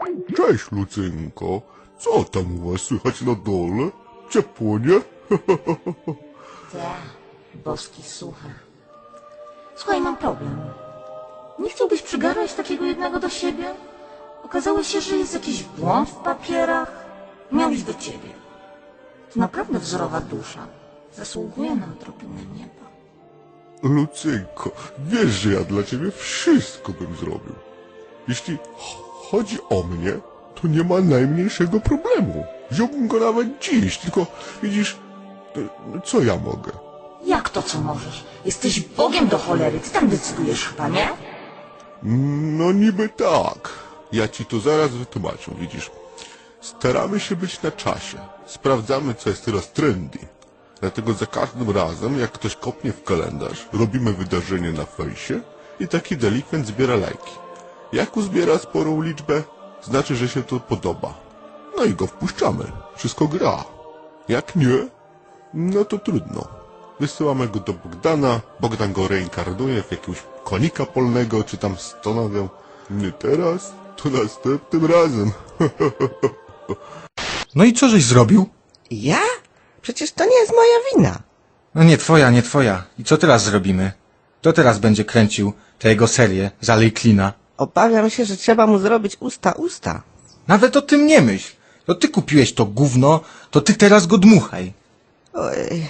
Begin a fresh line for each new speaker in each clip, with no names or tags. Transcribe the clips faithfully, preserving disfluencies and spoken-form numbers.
Cześć, Lucynko. Co tam u was słychać na dole? Ciepło, nie?
Tak, boski suchar. Słuchaj, mam problem. Nie chciałbyś przygarnąć takiego jednego do siebie? Okazało się, że jest jakiś błąd w papierach. Miał iść do ciebie. To naprawdę wzorowa dusza. Zasługuje na odrobinę nieba.
Lucynko, wiesz, że ja dla ciebie wszystko bym zrobił. Jeśli ch- chodzi o mnie, to nie ma najmniejszego problemu. Wziąłbym go nawet dziś, tylko widzisz, e, co ja mogę?
Jak to co możesz? Jesteś Bogiem do cholery, ty tam decydujesz chyba, nie?
No niby tak. Ja ci to zaraz wytłumaczę, widzisz. Staramy się być na czasie. Sprawdzamy, co jest teraz trendy. Dlatego za każdym razem, jak ktoś kopnie w kalendarz, robimy wydarzenie na fejsie i taki delikwent zbiera lajki. Jak uzbiera sporą liczbę, znaczy, że się to podoba. No i go wpuszczamy. Wszystko gra. Jak nie, no to trudno. Wysyłamy go do Bogdana, Bogdan go reinkarnuje w jakiegoś konika polnego, czy tam stonowę. Nie teraz, to następnym razem.
No i co żeś zrobił?
Ja? Przecież to nie jest moja wina.
No nie twoja, nie twoja. I co teraz zrobimy? Kto teraz będzie kręcił tę jego serię z Alej Klina?
Obawiam się, że trzeba mu zrobić usta usta.
Nawet o tym nie myśl. To ty kupiłeś to gówno, to ty teraz go dmuchaj.
Oj.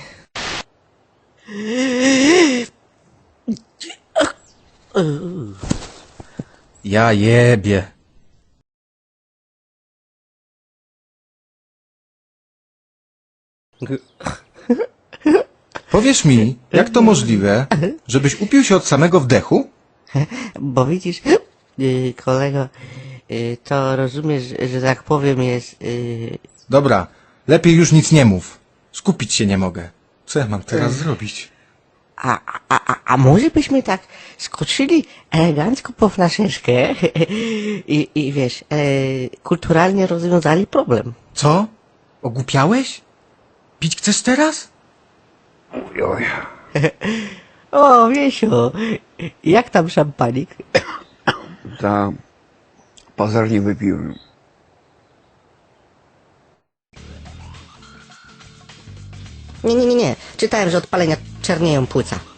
Ja jebie. Powiesz mi, jak to możliwe, żebyś upił się od samego wdechu?
Bo widzisz, yy, kolego, yy, to rozumiesz, że tak powiem jest... Yy,
Dobra, lepiej już nic nie mów. Skupić się nie mogę. Co ja mam teraz zrobić?
a, a, a, a może byśmy tak skoczyli elegancko po flaszeczkę i, i wiesz, yy, kulturalnie rozwiązali problem.
Co? Ogłupiałeś? Pić chcesz teraz?
O, Wiesiu, jak tam szampanik?
Ta pozornie wypiłem.
Nie, nie, nie, nie. Czytałem, że od palenia czernieją płuca.